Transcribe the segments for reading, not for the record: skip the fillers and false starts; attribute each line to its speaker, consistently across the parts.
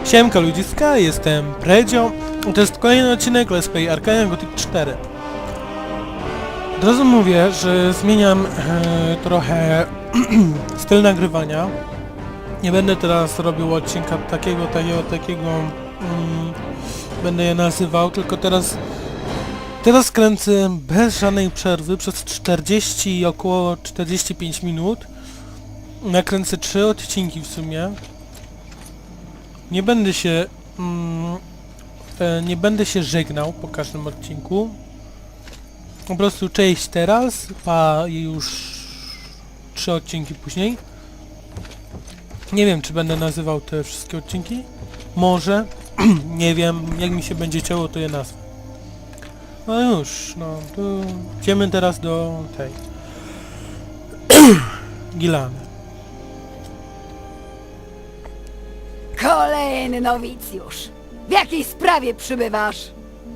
Speaker 1: Siemka ludziska, jestem Predzio. To jest kolejny odcinek Let's Play Arcane Gothic 4. Od razu mówię, że zmieniam trochę styl nagrywania. Nie będę teraz robił odcinka takiego, będę je nazywał, tylko teraz kręcę bez żadnej przerwy przez 40 i około 45 minut. Nakręcę 3 odcinki w sumie. Nie będę się żegnał po każdym odcinku. Po prostu cześć teraz, pa już 3 odcinki później. Nie wiem, czy będę nazywał te wszystkie odcinki. Może. Nie wiem, jak mi się będzie chciało, to je nazwę. No już, no to idziemy teraz do tej Gilany.
Speaker 2: Kolejny nowicjusz. W jakiej sprawie przybywasz?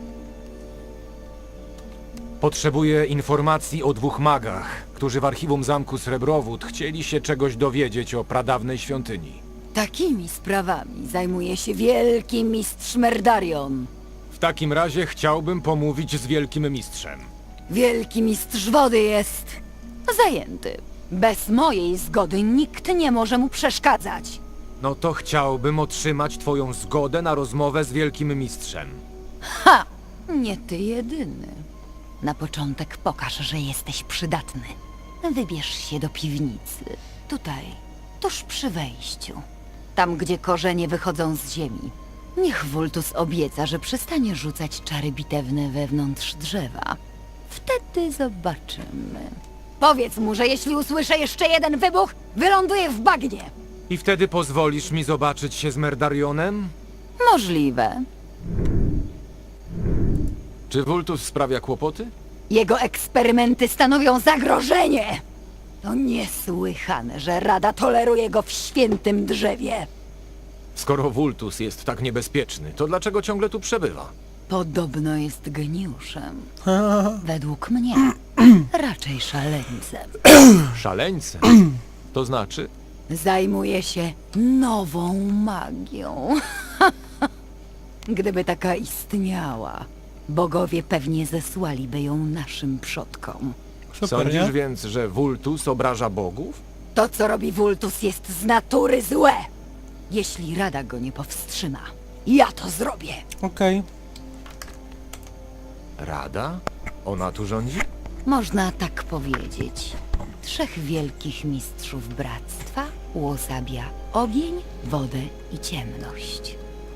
Speaker 3: Potrzebuję informacji o 2 magach, którzy w archiwum zamku Srebrowód chcieli się czegoś dowiedzieć o pradawnej świątyni.
Speaker 2: Takimi sprawami zajmuje się wielki mistrz Merdarion.
Speaker 3: W takim razie chciałbym pomówić z wielkim mistrzem.
Speaker 2: Wielki mistrz wody jest zajęty. Bez mojej zgody nikt nie może mu przeszkadzać.
Speaker 3: No to chciałbym otrzymać twoją zgodę na rozmowę z wielkim mistrzem.
Speaker 2: Ha! Nie ty jedyny. Na początek pokaż, że jesteś przydatny. Wybierz się do piwnicy. Tutaj, tuż przy wejściu. Tam, gdzie korzenie wychodzą z ziemi. Niech Wultus obieca, że przestanie rzucać czary bitewne wewnątrz drzewa. Wtedy zobaczymy. Powiedz mu, że jeśli usłyszę jeszcze jeden wybuch, wyląduję w bagnie.
Speaker 3: I wtedy pozwolisz mi zobaczyć się z Merdarionem?
Speaker 2: Możliwe.
Speaker 3: Czy Wultus sprawia kłopoty?
Speaker 2: Jego eksperymenty stanowią zagrożenie. To niesłychane, że Rada toleruje go w świętym drzewie.
Speaker 3: Skoro Wultus jest tak niebezpieczny, to dlaczego ciągle tu przebywa?
Speaker 2: Podobno jest geniuszem. Według mnie raczej szaleńcem.
Speaker 3: Szaleńcem? To znaczy?
Speaker 2: Zajmuje się nową magią. Gdyby taka istniała, bogowie pewnie zesłaliby ją naszym przodkom.
Speaker 1: Super,
Speaker 3: Sądzisz
Speaker 1: nie?
Speaker 3: więc, że Wultus obraża bogów?
Speaker 2: To, co robi Wultus, jest z natury złe. Jeśli Rada go nie powstrzyma, ja to zrobię.
Speaker 1: Okej.
Speaker 3: Rada? Ona tu rządzi?
Speaker 2: Można tak powiedzieć. 3 wielkich mistrzów bractwa uosabia ogień, wodę i ciemność.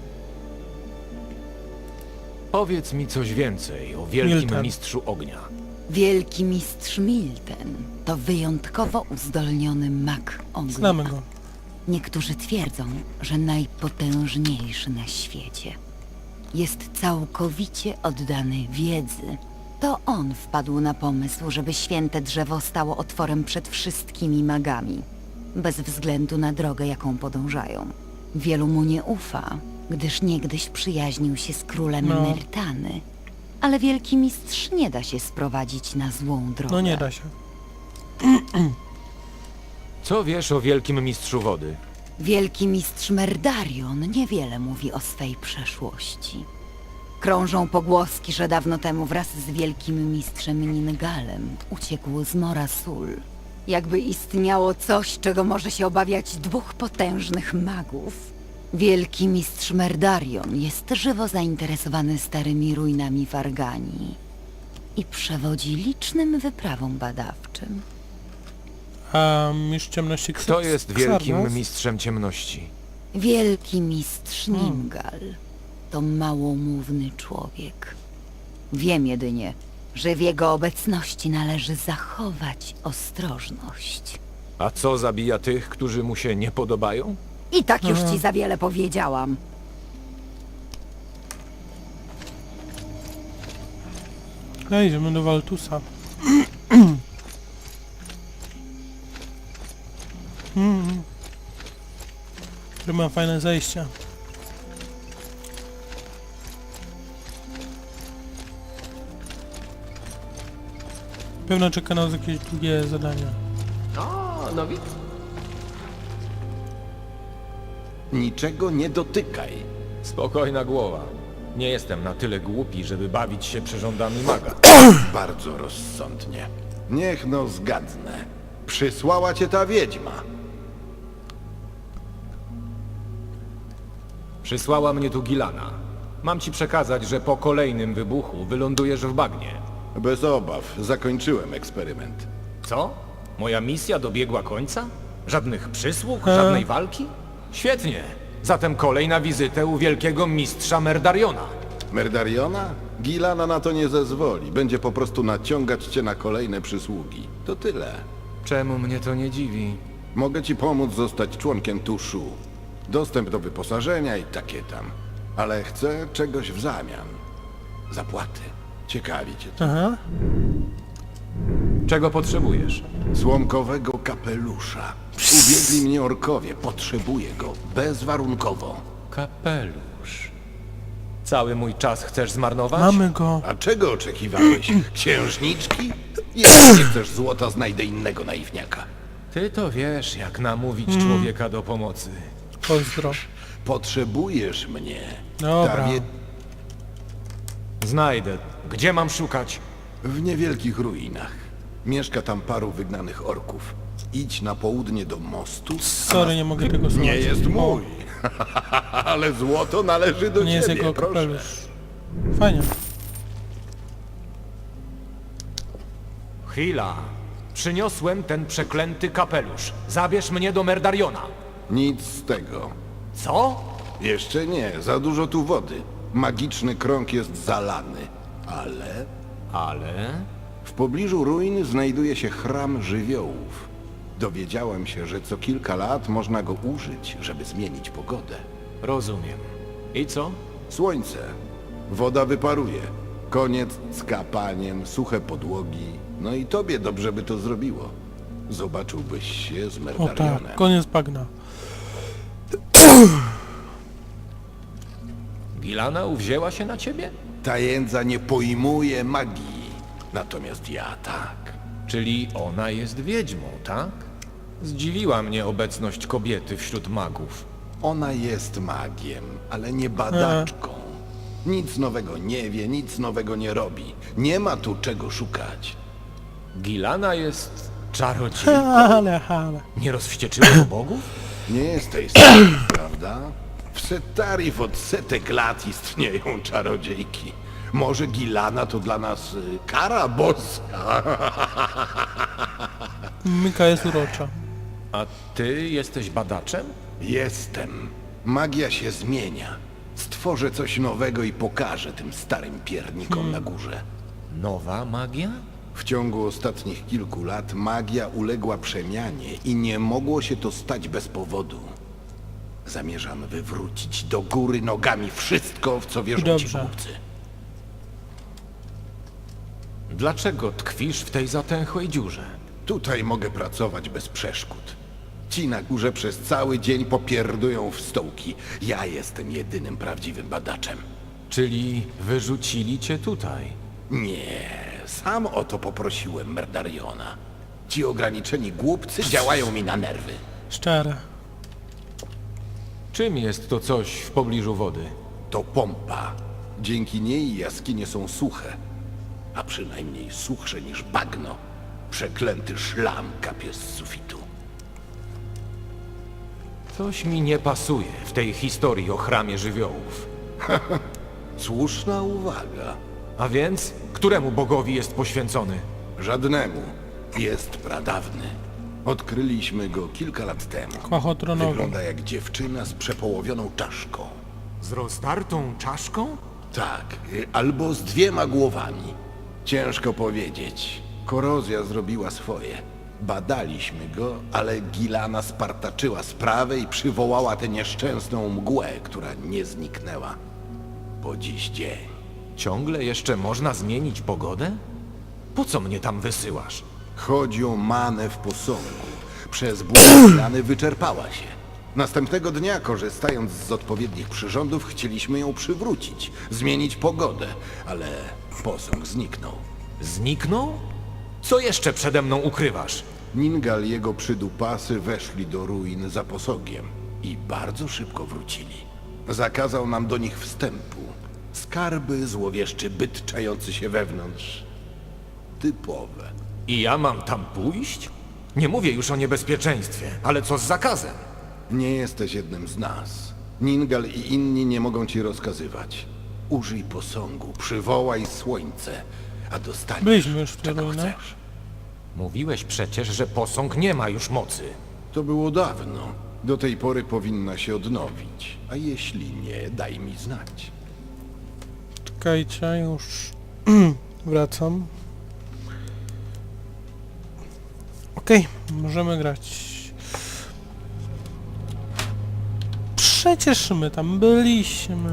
Speaker 3: Powiedz mi coś więcej o wielkim
Speaker 1: Milten.
Speaker 3: mistrzu ognia.
Speaker 2: Wielki mistrz Milten to wyjątkowo uzdolniony mag ognia.
Speaker 1: Znamy go.
Speaker 2: Niektórzy twierdzą, że najpotężniejszy na świecie. Jest całkowicie oddany wiedzy. To on wpadł na pomysł, żeby święte drzewo stało otworem przed wszystkimi magami, bez względu na drogę, jaką podążają. Wielu mu nie ufa, gdyż niegdyś przyjaźnił się z królem
Speaker 1: No.
Speaker 2: Myrtany. Ale wielki mistrz nie da się sprowadzić na złą drogę.
Speaker 1: No nie da się.
Speaker 3: Co wiesz o wielkim mistrzu wody?
Speaker 2: Wielki mistrz Merdarion niewiele mówi o swej przeszłości. Krążą pogłoski, że dawno temu wraz z wielkim mistrzem Ningalem uciekł z Mora Sul. Jakby istniało coś, czego może się obawiać 2 potężnych magów. Wielki mistrz Merdarion jest żywo zainteresowany starymi ruinami Warganii i przewodzi licznym wyprawom badawczym.
Speaker 1: A mistrz ciemności
Speaker 3: Kto jest wielkim
Speaker 1: Xardas?
Speaker 3: mistrzem ciemności?
Speaker 2: Wielki mistrz Ningal to małomówny człowiek. Wiem jedynie, że w jego obecności należy zachować ostrożność.
Speaker 3: A co zabija tych, którzy mu się nie podobają?
Speaker 2: I tak już ci za wiele powiedziałam.
Speaker 1: No idziemy do Waltusa. Który ma fajne zejścia. Pewno czeka nas jakieś długie zadania.
Speaker 4: O, no Niczego nie dotykaj.
Speaker 3: Spokojna głowa. Nie jestem na tyle głupi, żeby bawić się przyrządami maga.
Speaker 4: Bardzo rozsądnie. Niech no zgadnę. Przysłała cię ta wiedźma.
Speaker 3: Przysłała mnie tu Gilana. Mam ci przekazać, że po kolejnym wybuchu wylądujesz w bagnie.
Speaker 4: Bez obaw, zakończyłem eksperyment.
Speaker 3: Co? Moja misja dobiegła końca? Żadnych przysług? Żadnej walki? Świetnie. Zatem kolej na wizytę u wielkiego mistrza Merdariona.
Speaker 4: Merdariona? Gilana na to nie zezwoli. Będzie po prostu naciągać cię na kolejne przysługi. To tyle.
Speaker 3: Czemu mnie to nie dziwi?
Speaker 4: Mogę ci pomóc zostać członkiem Tuszu. Dostęp do wyposażenia i takie tam. Ale chcę czegoś w zamian. Zapłaty. Ciekawi cię to.
Speaker 1: Aha.
Speaker 3: Czego potrzebujesz?
Speaker 4: Słomkowego kapelusza. Ubiegli mnie orkowie. Potrzebuję go. Bezwarunkowo.
Speaker 3: Kapelusz. Cały mój czas chcesz zmarnować?
Speaker 1: Mamy go.
Speaker 4: A czego oczekiwałeś? Księżniczki? Jeśli nie chcesz złota, znajdę innego naiwniaka.
Speaker 3: Ty to wiesz, jak namówić człowieka do pomocy.
Speaker 1: Pozdro.
Speaker 4: Potrzebujesz mnie.
Speaker 1: Dobra.
Speaker 4: Ta
Speaker 3: Znajdę. Gdzie mam szukać?
Speaker 4: W niewielkich ruinach. Mieszka tam paru wygnanych orków. Idź na południe do mostu.
Speaker 1: Sorry, nie mogę tego słuchać.
Speaker 4: Nie jest mój. Ale złoto należy do
Speaker 1: To nie jest
Speaker 4: ciebie,
Speaker 1: jego
Speaker 4: proszę.
Speaker 1: kapelusz. Fajnie.
Speaker 3: Chwila. Przyniosłem ten przeklęty kapelusz. Zabierz mnie do Merdariona.
Speaker 4: Nic z tego.
Speaker 3: Co?
Speaker 4: Jeszcze nie, za dużo tu wody. Magiczny krąg jest zalany. Ale w pobliżu ruin znajduje się chram żywiołów. Dowiedziałem się, że co kilka lat można go użyć, żeby zmienić pogodę.
Speaker 3: Rozumiem. I co?
Speaker 4: Słońce. Woda wyparuje. Koniec z kapaniem, suche podłogi. No i tobie dobrze by to zrobiło. Zobaczyłbyś się z
Speaker 1: O
Speaker 4: Merdarionem.
Speaker 1: tak, koniec bagna.
Speaker 3: Gilana uwzięła się na ciebie?
Speaker 4: Ta jędza nie pojmuje magii. Natomiast ja tak.
Speaker 3: Czyli ona jest wiedźmą, tak? Zdziwiła mnie obecność kobiety wśród magów.
Speaker 4: Ona jest magiem, ale nie badaczką. Nic nowego nie wie, nic nowego nie robi. Nie ma tu czego szukać.
Speaker 3: Gilana jest czarodziejką.
Speaker 1: Ale.
Speaker 3: Nie rozwścieczyła bogów?
Speaker 4: Nie jesteś sam, prawda? W Setarif od setek lat istnieją czarodziejki. Może Gilana to dla nas kara boska.
Speaker 1: Mika jest urocza.
Speaker 3: A ty jesteś badaczem?
Speaker 4: Jestem. Magia się zmienia. Stworzę coś nowego i pokażę tym starym piernikom na górze.
Speaker 3: Nowa magia?
Speaker 4: W ciągu ostatnich kilku lat magia uległa przemianie i nie mogło się to stać bez powodu. Zamierzam wywrócić do góry nogami wszystko, w co wierzą ci
Speaker 1: Dobrze.
Speaker 4: głupcy.
Speaker 3: Dlaczego tkwisz w tej zatęchłej dziurze?
Speaker 4: Tutaj mogę pracować bez przeszkód. Ci na górze przez cały dzień popierdują w stołki. Ja jestem jedynym prawdziwym badaczem.
Speaker 3: Czyli wyrzucili cię tutaj.
Speaker 4: Nie, sam o to poprosiłem Merdariona. Ci ograniczeni głupcy działają mi na nerwy.
Speaker 1: Szczere.
Speaker 3: Czym jest to coś w pobliżu wody?
Speaker 4: To pompa. Dzięki niej jaskinie są suche. A przynajmniej suchsze niż bagno. Przeklęty szlam kapie z sufitu.
Speaker 3: Coś mi nie pasuje w tej historii o chramie żywiołów.
Speaker 4: Słuszna uwaga.
Speaker 3: A więc, któremu bogowi jest poświęcony?
Speaker 4: Żadnemu. Jest pradawny. Odkryliśmy go kilka lat temu.
Speaker 1: Kłachotronowy.
Speaker 4: Wygląda jak dziewczyna z przepołowioną czaszką.
Speaker 3: Z rozdartą czaszką?
Speaker 4: Tak, albo z dwiema głowami. Ciężko powiedzieć. Korozja zrobiła swoje. Badaliśmy go, ale Gilana spartaczyła sprawę i przywołała tę nieszczęsną mgłę, która nie zniknęła. Po dziś dzień.
Speaker 3: Ciągle jeszcze można zmienić pogodę? Po co mnie tam wysyłasz?
Speaker 4: Chodzi o manę w posągu. Przez ból Gilany wyczerpała się. Następnego dnia, korzystając z odpowiednich przyrządów, chcieliśmy ją przywrócić, zmienić pogodę, ale posąg zniknął.
Speaker 3: Zniknął? Co jeszcze przede mną ukrywasz?
Speaker 4: Ningal i jego przydupasy weszli do ruin za posogiem. I bardzo szybko wrócili. Zakazał nam do nich wstępu. Skarby, złowieszczy byt czający się wewnątrz. Typowe.
Speaker 3: I ja mam tam pójść? Nie mówię już o niebezpieczeństwie, ale co z zakazem?
Speaker 4: Nie jesteś jednym z nas. Ningal i inni nie mogą ci rozkazywać. Użyj posągu, przywołaj słońce, a dostaniesz,
Speaker 1: Byliśmy już w tej
Speaker 4: czego
Speaker 1: ruinach.
Speaker 4: chcesz.
Speaker 3: Mówiłeś przecież, że posąg nie ma już mocy.
Speaker 4: To było dawno. Do tej pory powinna się odnowić. A jeśli nie, daj mi znać.
Speaker 1: Czekajcie, już wracam. Okej, możemy grać. Przecież my tam byliśmy.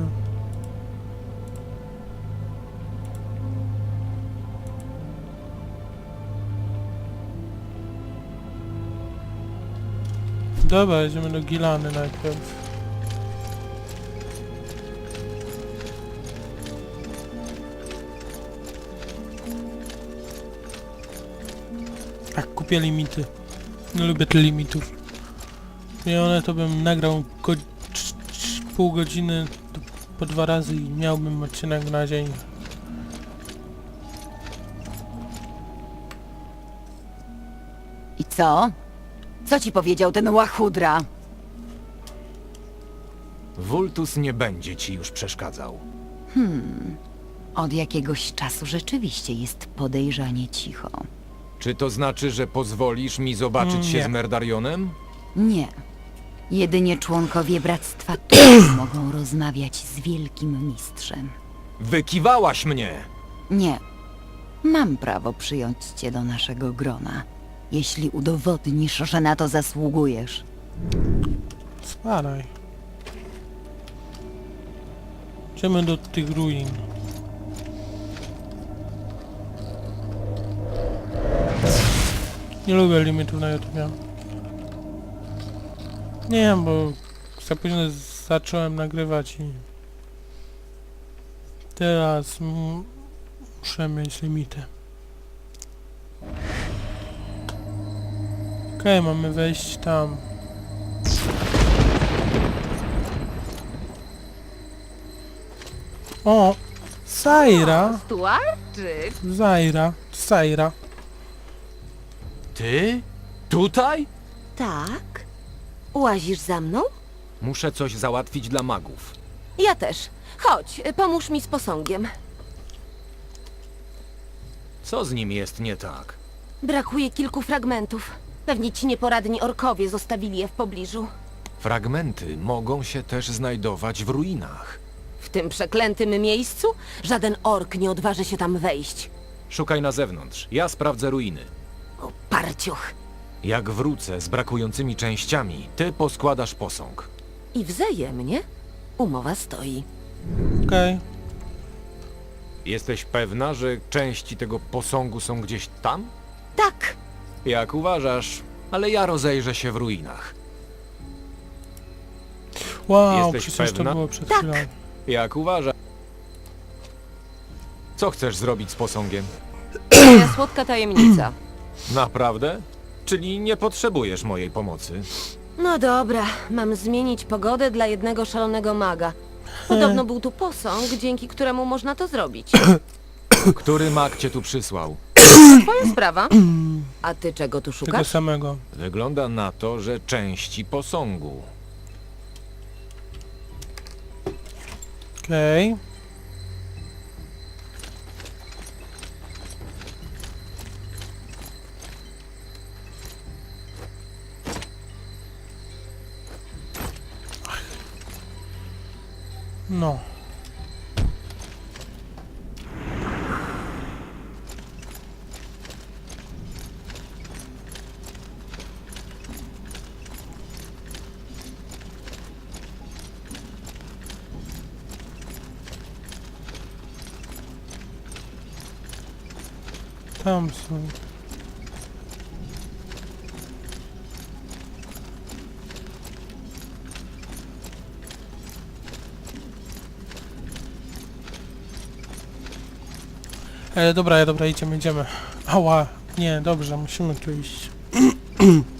Speaker 1: Dobra, jedziemy do Gilany najpierw. Tak, kupię limity. Nie lubię tych limitów. I one to bym nagrał pół godziny po 2 razy i miałbym odcinek na dzień.
Speaker 2: I co? Co ci powiedział ten łachudra?
Speaker 3: Vultus nie będzie ci już przeszkadzał.
Speaker 2: Od jakiegoś czasu rzeczywiście jest podejrzanie cicho.
Speaker 3: Czy to znaczy, że pozwolisz mi zobaczyć się
Speaker 1: Nie.
Speaker 3: z Merdarionem?
Speaker 2: Nie. Jedynie członkowie Bractwa Tułów mogą rozmawiać z Wielkim Mistrzem.
Speaker 3: Wykiwałaś mnie!
Speaker 2: Nie. Mam prawo przyjąć cię do naszego grona, jeśli udowodnisz, że na to zasługujesz.
Speaker 1: Spadaj. Idziemy do tych ruin. Nie lubię limitów na YouTube. Nie wiem, bo za późno zacząłem nagrywać i teraz muszę mieć limity. Okej, mamy wejść tam. O! Zaira!
Speaker 5: Stuarczyk!
Speaker 1: Zaira.
Speaker 3: Ty? Tutaj?
Speaker 5: Tak? Łazisz za mną?
Speaker 3: Muszę coś załatwić dla magów.
Speaker 5: Ja też. Chodź, pomóż mi z posągiem.
Speaker 3: Co z nim jest nie tak?
Speaker 5: Brakuje kilku fragmentów. Pewnie ci nieporadni orkowie zostawili je w pobliżu.
Speaker 3: Fragmenty mogą się też znajdować w ruinach.
Speaker 5: W tym przeklętym miejscu żaden ork nie odważy się tam wejść.
Speaker 3: Szukaj na zewnątrz, ja sprawdzę ruiny.
Speaker 5: O, parciuch.
Speaker 3: Jak wrócę z brakującymi częściami, ty poskładasz posąg.
Speaker 5: I wzajemnie umowa stoi.
Speaker 1: Okej.
Speaker 3: Jesteś pewna, że części tego posągu są gdzieś tam?
Speaker 5: Tak,
Speaker 3: Jak uważasz, ale ja rozejrzę się w ruinach.
Speaker 1: Wow,
Speaker 3: Jesteś
Speaker 1: przecież
Speaker 3: pewna?
Speaker 1: to było przed
Speaker 5: Tak.
Speaker 1: chwilą.
Speaker 3: Jak uważasz? Co chcesz zrobić z posągiem?
Speaker 5: moja słodka tajemnica.
Speaker 3: Naprawdę? Czyli nie potrzebujesz mojej pomocy?
Speaker 5: No dobra, mam zmienić pogodę dla jednego szalonego maga. Podobno był tu posąg, dzięki któremu można to zrobić.
Speaker 3: Który mag cię tu przysłał?
Speaker 5: Twoja sprawa. A ty czego tu
Speaker 1: Tego
Speaker 5: szukasz?
Speaker 1: samego.
Speaker 3: Wygląda na to, że części posągu.
Speaker 1: Okej. No. Tam są. Dobra, idziemy. Ała, nie, dobrze, musimy tu iść.